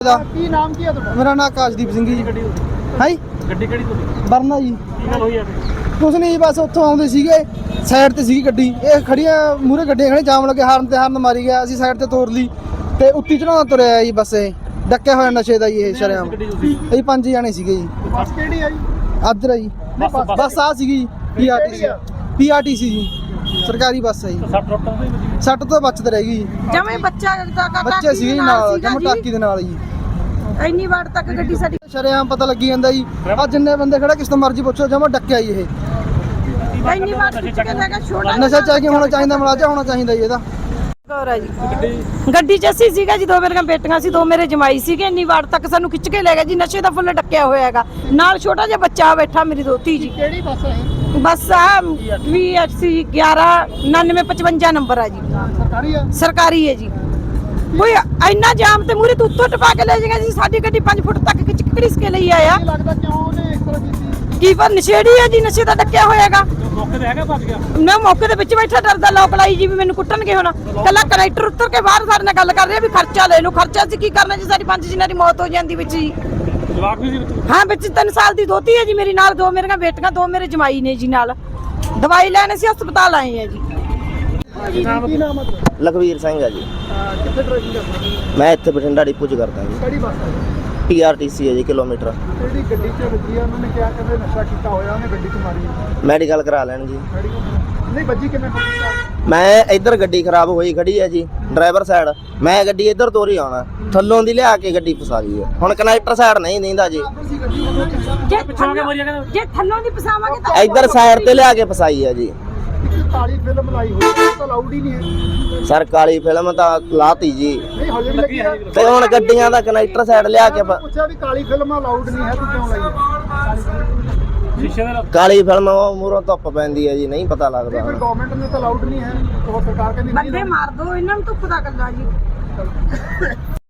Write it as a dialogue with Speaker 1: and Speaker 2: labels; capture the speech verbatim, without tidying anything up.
Speaker 1: ਕੀ ਨਾਮ ਕੀ ਹੈ ਤੁਹਾਡਾ?
Speaker 2: ਮੇਰਾ ਨਾਮ ਆਕਾਸ਼ਦੀਪ ਸਿੰਘ ਜੀ।
Speaker 1: ਗੱਡੀ
Speaker 2: ਹਾਂ
Speaker 1: ਗੱਡੀ ਕਿਹੜੀ ਤੁਹਾਡੀ?
Speaker 2: ਵਰਨਾ ਜੀ।
Speaker 1: ਕੀ ਗੱਲ ਹੋਈ ਆ?
Speaker 2: ਕੁਛ ਨਹੀਂ, ਬਸ ਉੱਥੋਂ ਆਉਂਦੇ ਸੀਗੇ, ਸਾਈਡ ਤੇ ਸੀਗੀ ਗੱਡੀ, ਇਹ ਖੜੀਆਂ ਮੂਹਰੇ ਗੱਡੀਆਂ ਖੜੀਆਂ, ਜਾਮ ਲੱਗੇ, ਹਾਰਨ ਤੇ ਹਾਰਨ ਮਾਰੀ ਗਿਆ, ਅਸੀਂ ਸਾਈਡ ਤੇ ਤੋਰ ਲਈ ਤੇ ਉੱਤੀ ਚੜਾਉਣਾ ਤੁਰਿਆ ਜੀ। ਬਸ ਇਹ ਡੱਕਿਆ ਹੋਇਆ ਨਸ਼ੇ ਦਾ ਜੀ ਇਹ ਸ਼ਰੇਆਮ। ਅਸੀਂ ਪੰਜ ਜਾਣੇ ਸੀਗੇ ਜੀ।
Speaker 1: ਬੱਸ ਕਿਹੜੀ ਆ ਜੀ?
Speaker 2: ਆਦਰ ਆ ਜੀ। ਬੱਸ ਆ ਸੀਗੀ ਜੀ, ਪੀਆਰਟੀਸੀ ਪੀਆਰਟੀਸੀ ਜੀ, ਸਰਕਾਰੀ ਬੱਸ ਹੈ ਜੀ।
Speaker 1: ਸੱਟ ਰੋਟਾਂ ਤੋਂ ਹੀ ਵੱਜੀ?
Speaker 2: ਸੱਟ ਤੋਂ ਬਚਤ ਰਹਿ ਗਈ ਜੀ।
Speaker 3: ਜਮੇ ਬੱਚਾ
Speaker 2: ਬੱਚੇ ਸੀਗੇ ਜੀ ਨਾਲ, ਜਮ ਟਾਕੀ ਦੇ ਨਾਲ ਜੀ।
Speaker 3: ਇੰਨੀ ਵਾਰ ਤੱਕ ਗੱਡੀ ਸਾਡੀ
Speaker 2: ਸ਼ਰੇਆਮ ਪਤਾ ਲੱਗੀ ਜਾਂਦਾ ਜੀ। ਆ ਜਿੰਨੇ ਬੰਦੇ ਖੜਾ ਕਿਸ ਤੋਂ ਮਰਜ਼ੀ ਪੁੱਛੋ, ਜਮਾ ਡੱਕਿਆ ਜੀ ਇਹ।
Speaker 3: ਇੰਨੀ ਵਾਰ ਖਿੱਚ ਕੇ ਲੈ ਗਿਆ ਛੋਟਾ
Speaker 2: ਨਸ਼ਾ ਚਾਹੀਏ ਹੋਣਾ ਚਾਹੀਦਾ, ਮਲਾਜਾ ਹੋਣਾ ਚਾਹੀਦਾ ਜੀ ਇਹਦਾ।
Speaker 3: ਗੌਰਾ ਜੀ ਗੱਡੀ 'ਚ ਅਸੀਂ ਸੀਗਾ ਜੀ, ਦੋ ਮੇਰੀਆਂ ਬੇਟੀਆਂ ਸੀ, ਦੋ ਮੇਰੇ ਜਮਾਈ ਸੀਗੇ। ਇੰਨੀ ਵਾਰ ਤੱਕ ਸਾਨੂੰ ਖਿੱਚ ਕੇ ਲੈ ਗਿਆ ਜੀ। ਨਸ਼ੇ ਦਾ ਫੁੱਲ ਡੱਕਿਆ ਹੋਇਆ ਹੈਗਾ, ਨਾਲ ਛੋਟਾ ਜਿਹਾ ਬੱਚਾ ਬੈਠਾ, ਮੇਰੀ ਦੋਤੀ ਜੀ।
Speaker 1: ਕਿਹੜੀ ਬੱਸ ਹੈ?
Speaker 3: ਬੱਸ ਆ ਵੀ ਅਸੀਂ ਗਿਆਰਾਂ ਉਨਾਨਵੇਂ ਪਚਵੰਜਾ ਨੰਬਰ ਆ ਜੀ।
Speaker 1: ਸਰਕਾਰੀ ਆ?
Speaker 3: ਸਰਕਾਰੀ ਹੈ ਜੀ। ਕੋਈ ਇੰਨਾ ਜਾਮ ਤੇ ਮੂਰੇ ਤੋਂ ਉੱਤੋਂ ਟਪਾ ਕੇ ਲੈ ਜਾਏਗਾ ਜੀ। ਸਾਡੀ ਗੱਡੀ ਪੰਜ ਫੁੱਟ ਤੱਕ ਖਿੱਚ ਕੇ ਘੜੀਸ ਕੇ ਲਈ ਆਇਆ।
Speaker 1: ਕੀ ਲੱਗਦਾ ਕਿਉਂ ਉਹਨੇ ਇਸ ਤਰ੍ਹਾਂ ਕੀਤੀ?
Speaker 3: ਕੀ ਪਰ ਨਸ਼ੇੜੀ ਹੈ ਜੀ, ਨਸ਼ੇ ਦਾ ਡੱਕਿਆ ਹੋਇਆ ਹੈਗਾ।
Speaker 1: ਮੌਕੇ ਤੇ ਹੈਗਾ, ਭੱਜ ਗਿਆ?
Speaker 3: ਮੈਂ ਮੌਕੇ ਦੇ ਵਿੱਚ ਬੈਠਾ ਡਰਦਾ, ਲੋਕ ਲਾਈ ਜੀ ਵੀ ਮੈਨੂੰ ਕੁੱਟਣਗੇ ਹੁਣ। ਕੱਲਾ ਕਨੈਕਟਰ ਉੱਤਰ ਕੇ ਬਾਹਰ ਸਾਡੇ ਨਾਲ ਗੱਲ ਕਰ ਰਿਹਾ ਵੀ ਖਰਚਾ ਲੈ ਲਓ। ਖਰਚਾ ਅਸੀਂ ਕੀ ਕਰਨਾ ਜੀ, ਸਾਡੀ ਪੰਜ ਜਿਨ੍ਹਾਂ ਦੀ ਮੌਤ ਹੋ ਜਾਂਦੀ ਵਿੱਚ ਜੀ।
Speaker 1: ਜਵਾਕ ਵੀ ਸੀ ਵਿੱਚ?
Speaker 3: ਹਾਂ, ਵਿੱਚ ਤਿੰਨ ਸਾਲ ਦੀ ਦੋਤੀ ਹੈ ਜੀ ਮੇਰੀ, ਨਾਲ ਦੋ ਮੇਰੀਆਂ ਬੇਟੀਆਂ, ਦੋ ਮੇਰੇ ਜਮਾਈ ਨੇ ਜੀ। ਨਾਲ ਦਵਾਈ ਲੈਣ ਅਸੀਂ ਹਸਪਤਾਲ ਆਏ ਆ ਜੀ।
Speaker 1: ਕੀ ਨਾਮ ਹੈ ਤੁਹਾਡਾ?
Speaker 4: ਲਖਵੀਰ ਸਿੰਘ ਆ ਜੀ।
Speaker 1: ਕਿੱਥੇ ਡਰਾਈਵਿੰਗ ਕਰਦਾ?
Speaker 4: ਮੈਂ ਇੱਥੇ ਬਠਿੰਡਾ ਡਿਪੂ 'ਚ ਕਰਦਾ ਜੀ।
Speaker 1: ਕਿਹੜੀ ਬੱਸ ਹੈ?
Speaker 4: ਪੀਆਰਟੀਸੀ ਹੈ ਜੀ, ਕਿਲੋਮੀਟਰ।
Speaker 1: ਜਿਹੜੀ ਗੱਡੀ 'ਚ ਵੱਜੀ ਆ, ਉਹਨਾਂ ਨੇ ਕਿਹਾ ਕਿ ਨਸ਼ਾ ਕੀਤਾ ਹੋਇਆ, ਉਹਨੇ ਗੱਡੀ 'ਚ ਮਾਰੀ।
Speaker 4: ਮੈਡੀਕਲ ਕਰਾ ਲੈਣ ਜੀ।
Speaker 1: ਨਹੀਂ ਵੱਜੀ ਕਿਵੇਂ?
Speaker 4: ਮੈਂ ਇੱਧਰ ਗੱਡੀ ਖਰਾਬ ਹੋਈ ਖੜੀ ਹੈ ਜੀ, ਡਰਾਈਵਰ ਸਾਈਡ। ਮੈਂ ਗੱਡੀ ਇੱਧਰ ਤੋਰੀ ਆਉਣਾ, ਥੱਲੋਂ ਦੀ ਲਿਆ ਕੇ ਗੱਡੀ ਫਸਾ ਲਈ ਹੈ। ਹੁਣ ਕਨੈਕਟਰ ਸਾਈਡ ਨਹੀਂ ਦਿੰਦਾ ਜੀ,
Speaker 3: ਜੇ ਜੇ ਥੱਲੋਂ ਦੀ ਪਸਾਵਾਂਗੇ ਤਾਂ
Speaker 4: ਇੱਧਰ ਸਾਈਡ ਤੇ ਲਿਆ ਕੇ ਫਸਾਈ ਹੈ ਜੀ।
Speaker 1: ਕਾਲੀ ਫਿਲਮ ਲਾਈ ਹੋਈ ਹੈ, ਉਹ ਤਾਂ ਅਲਾਉਡ ਹੀ ਨਹੀਂ ਹੈ।
Speaker 4: ਸਰ ਕਾਲੀ ਫਿਲਮ ਤਾਂ ਲਾਤੀ ਜੀ,
Speaker 1: ਨਹੀਂ ਹਜੇ ਵੀ ਲੱਗੀ ਹੈ।
Speaker 4: ਤੇ ਹੁਣ ਗੱਡੀਆਂ ਦਾ ਕਨੈਕਟਰ ਸਾਈਡ ਲਿਆ ਕੇ ਪ-
Speaker 1: ਪੁੱਛਿਆ ਵੀ ਕਾਲੀ ਫਿਲਮ ਅਲਾਉਡ ਨਹੀਂ ਹੈ, ਤੂੰ ਕਿਉਂ ਲਾਈ ਹੈ? ਸ਼ੀਸ਼ੇ ਦੇ
Speaker 4: ਕਾਲੀ ਫਿਲਮ ਉਹ ਮੂਹਰੋਂ ਧੁੱਪ ਪੈਂਦੀ ਹੈ ਜੀ, ਨਹੀਂ ਪਤਾ ਲੱਗਦਾ।
Speaker 1: ਫਿਰ ਗਵਰਨਮੈਂਟ ਨੇ ਤਾਂ ਅਲਾਉਡ ਨਹੀਂ ਹੈ, ਉਹ ਸਰਕਾਰ ਕਹਿੰਦੀ ਨਹੀਂ।
Speaker 3: ਬੰਦੇ ਮਾਰ ਦੋ, ਇਹਨਾਂ ਨੂੰ ਧੁੱਪ ਦਾ ਗੱਲਾਂ ਜੀ।